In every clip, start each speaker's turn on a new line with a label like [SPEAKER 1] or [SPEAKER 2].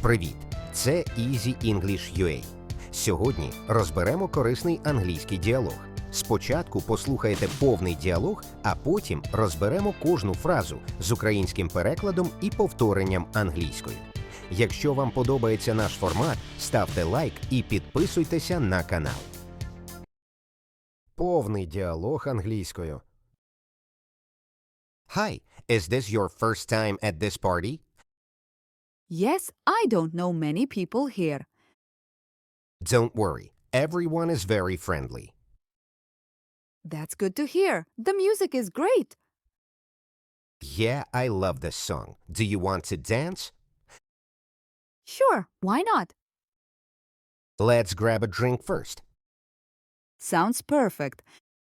[SPEAKER 1] Привіт! Це Easy English UA. Сьогодні розберемо корисний англійський діалог. Спочатку послухайте повний діалог, а потім розберемо кожну фразу з українським перекладом і повторенням англійською. Якщо вам подобається наш формат, ставте лайк і підписуйтеся на канал. Повний діалог англійською. Hi, is this your first time at this party?
[SPEAKER 2] Yes, I don't know many people here.
[SPEAKER 1] Don't worry, everyone is very friendly.
[SPEAKER 2] That's good to hear. The music is great.
[SPEAKER 1] Yeah, I love this song. Do you want to dance?
[SPEAKER 2] Sure, why not?
[SPEAKER 1] Let's grab a drink first.
[SPEAKER 2] Sounds perfect.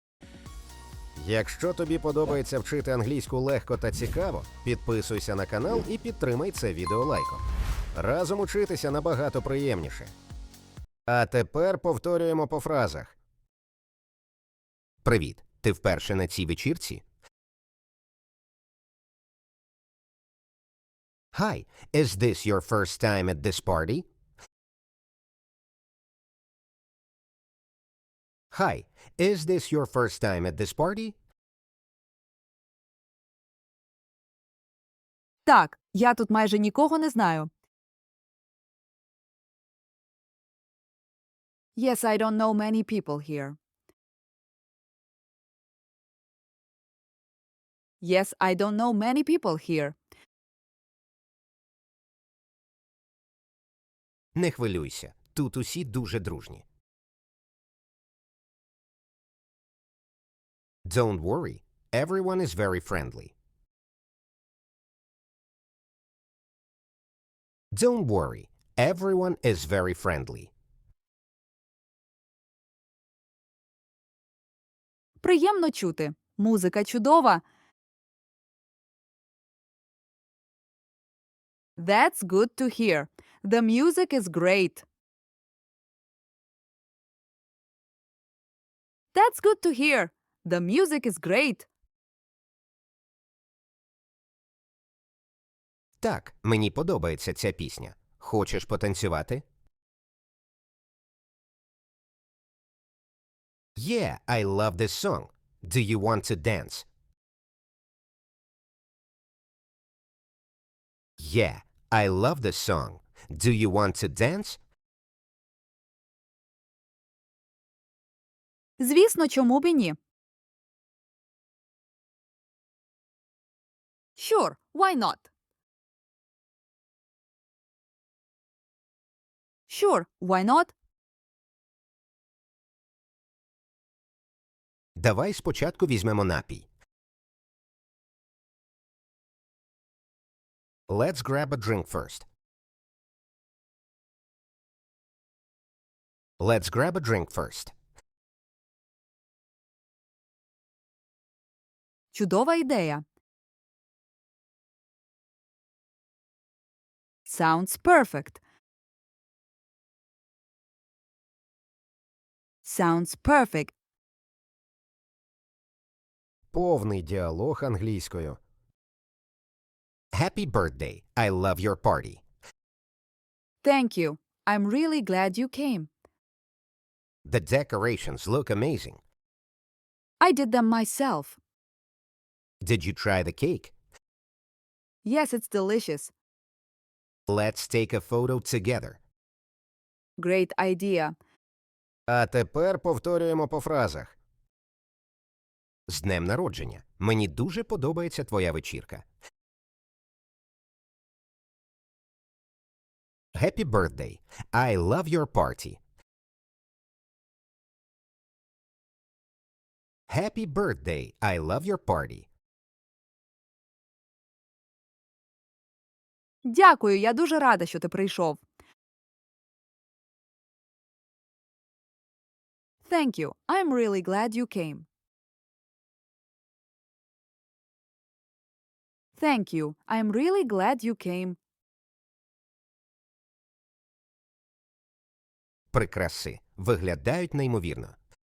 [SPEAKER 1] Якщо тобі подобається вчити англійську легко та цікаво, підписуйся на канал і підтримай це відео лайком. Разом учитися набагато приємніше. А тепер повторюємо по фразах. Привіт! Ти вперше на цій вечірці? Hi, is this your first time at this party? Hi, is this your first time at this party?
[SPEAKER 2] Так, я тут майже нікого не знаю. Yes, I don't know many people here. Yes, I don't know many people here.
[SPEAKER 1] Не хвилюйся, тут усі дуже дружні. Don't worry, everyone is very friendly. Don't worry, everyone is very friendly.
[SPEAKER 2] Приємно чути. Музика чудова. That's good to hear. The music is great. That's good to hear. The music is great.
[SPEAKER 1] Так, мені подобається ця пісня. Хочеш потанцювати? Yeah, I love this song. Do you want to dance? Yeah, I love this song. Do you want to dance?
[SPEAKER 2] Звісно, чому б і ні? Sure, why not? Sure, why not?
[SPEAKER 1] Давай спочатку візьмемо напій. Let's grab a drink first. Let's grab a drink first.
[SPEAKER 2] Чудова ідея. Sounds perfect. Sounds perfect.
[SPEAKER 1] Повний діалог англійською. Happy birthday. I love your party.
[SPEAKER 2] Thank you. I'm really glad you came.
[SPEAKER 1] The decorations look amazing.
[SPEAKER 2] I did them myself.
[SPEAKER 1] Did you try the cake?
[SPEAKER 2] Yes, it's delicious.
[SPEAKER 1] Let's take a photo together.
[SPEAKER 2] Great idea.
[SPEAKER 1] А тепер повторюємо по фразах. З днем народження. Мені дуже подобається твоя вечірка. Happy birthday. I love your party. Happy birthday. I love your party.
[SPEAKER 2] Дякую, я дуже рада, що ти прийшов. Thank you. I'm really glad you came. Thank you. I'm really glad you came.
[SPEAKER 1] Прикраси. Виглядають неймовірно.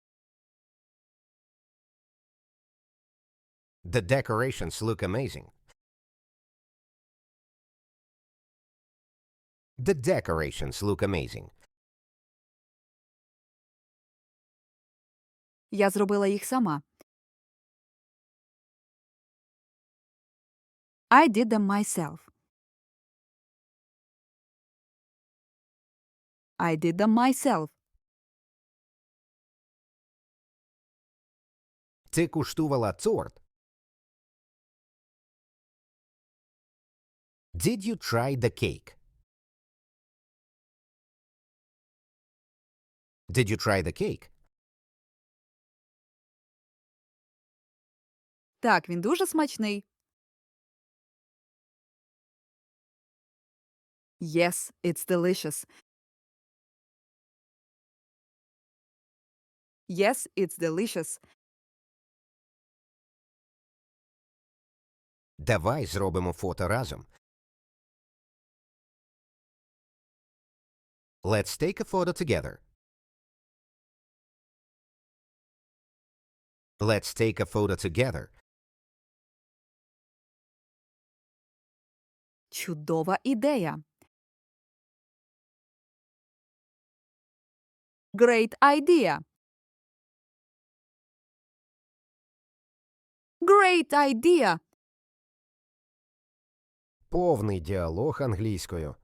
[SPEAKER 1] The decorations look amazing. The decorations look amazing.
[SPEAKER 2] Я зробила їх сама. I did them myself. I did them myself.
[SPEAKER 1] Ти куштувала торт? Did you try the cake? Did you try the cake?
[SPEAKER 2] Так, він дуже смачний. Yes, it's delicious. Yes, it's delicious.
[SPEAKER 1] Давай зробимо фото разом. Let's take a photo together. Let's take a photo together.
[SPEAKER 2] Чудова ідея. Great idea. Great idea.
[SPEAKER 1] Повний діалог англійською.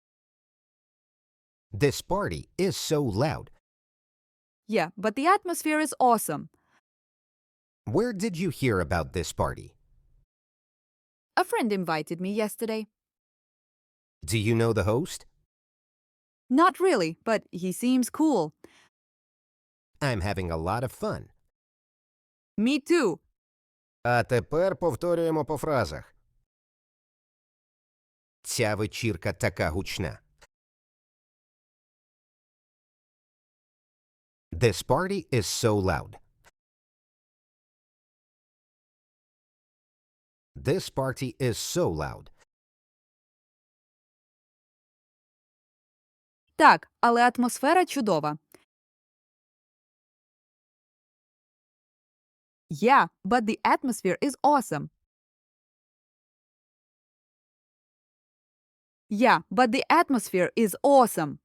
[SPEAKER 1] This party is so loud.
[SPEAKER 2] Yeah, but the atmosphere is awesome.
[SPEAKER 1] Where did you hear about this party?
[SPEAKER 2] A friend invited me yesterday.
[SPEAKER 1] Do you know the host?
[SPEAKER 2] Not really, but he seems cool.
[SPEAKER 1] I'm having a lot of fun.
[SPEAKER 2] Me too.
[SPEAKER 1] А тепер повторюємо по фразах. Ця вечірка така гучна. This party is so loud. This party is so loud.
[SPEAKER 2] Так, але атмосфера чудова. Yeah, but the atmosphere is awesome. Yeah, but the atmosphere is awesome.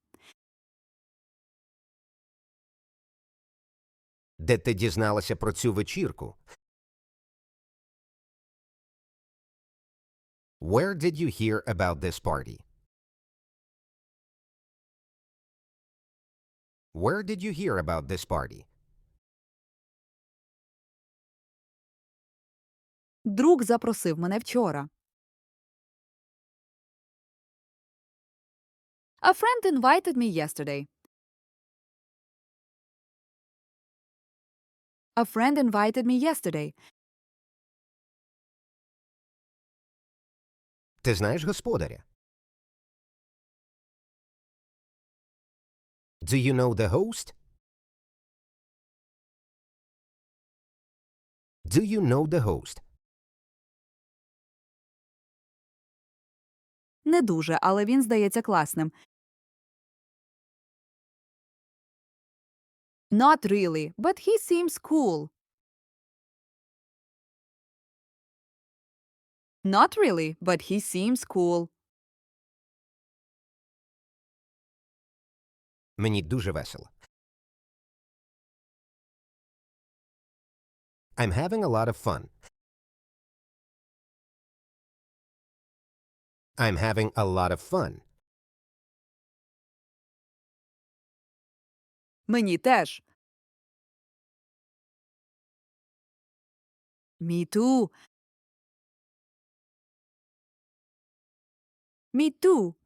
[SPEAKER 1] Де ти дізналася про цю вечірку? Where did you hear about this party? Where did you hear about this party?
[SPEAKER 2] Друг запросив мене вчора. A friend invited me yesterday. A friend invited me yesterday.
[SPEAKER 1] Ти знаєш господаря? Do you know the host? Do you know the host?
[SPEAKER 2] Не дуже, але він здається класним. Not really, but he seems cool. Not really, but he seems cool.
[SPEAKER 1] Мені дуже весело. I'm having a lot of fun. I'm having a lot of fun.
[SPEAKER 2] Мені теж. Me too. Me too.